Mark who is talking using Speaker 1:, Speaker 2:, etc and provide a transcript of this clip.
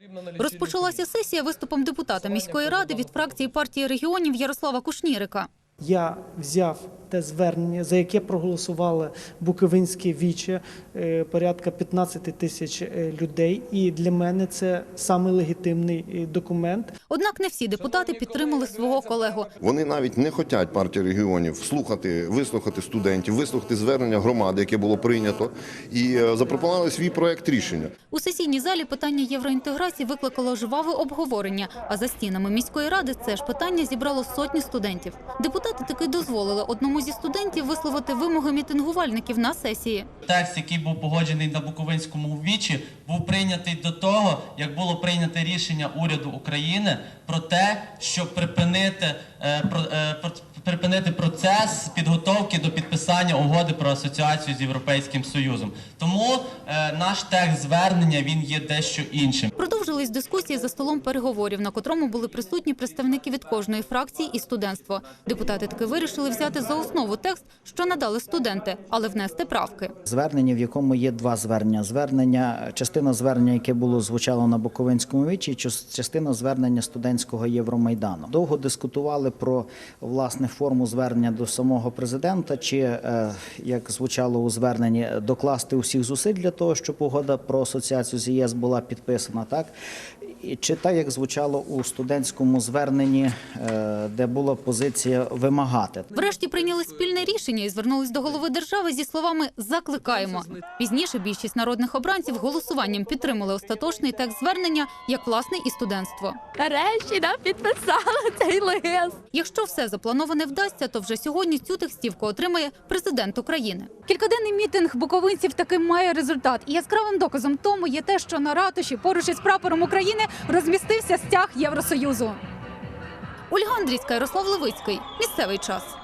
Speaker 1: Розпочалася сесія виступом депутата міської ради від фракції партії регіонів Ярослава Кушнірика.
Speaker 2: Я взяв те звернення, за яке проголосували Буковинське віче, порядка 15 тисяч людей, і для мене це саме легітимний документ.
Speaker 1: Однак не всі депутати підтримали свого колегу.
Speaker 3: Вони навіть не хочуть партії регіонів вислухати студентів, вислухати звернення громади, яке було прийнято, і запропонували свій проект рішення.
Speaker 1: У сесійній залі питання євроінтеграції викликало жваве обговорення, а за стінами міської ради це ж питання зібрало сотні студентів. Депутати таки дозволили одному зі студентів висловити вимоги мітингувальників на сесії.
Speaker 4: Текст, який був погоджений на Буковинському вічі, був прийнятий до того, як було прийнято рішення уряду України про те, щоб припинити процес підготовки до підписання угоди про асоціацію з Європейським Союзом. Тому наш текст звернення, він є дещо іншим.
Speaker 1: Продовжились дискусії за столом переговорів, на котрому були присутні представники від кожної фракції і студентство. Депутати таки вирішили взяти за основу текст, що надали студенти, але внести правки.
Speaker 5: Звернення, в якому є два звернення. Частина звернення, яке звучало на Буковинському вічі, частина звернення студентського Євромайдану. Довго дискутували про, власне, форму звернення до самого президента, чи, як звучало у зверненні, докласти усіх зусиль для того, щоб угода про асоціацію з ЄС була підписана, так? Чи так, як звучало у студентському зверненні, де була позиція вимагати.
Speaker 1: Врешті прийняли спільне рішення і звернулись до голови держави зі словами «закликаємо». Пізніше більшість народних обранців голосуванням підтримали остаточний текст звернення, як власне і студентство.
Speaker 6: Нарешті нам підписали цей лист.
Speaker 1: Якщо все заплановане вдасться, то вже сьогодні цю текстівку отримає президент України. Кількаденний мітинг буковинців таки має результат. І яскравим доказом тому є те, що на ратуші поруч із прапором України розмістився стяг Євросоюзу. Ольга Андрійська, Ярослав Левицький. Місцевий час.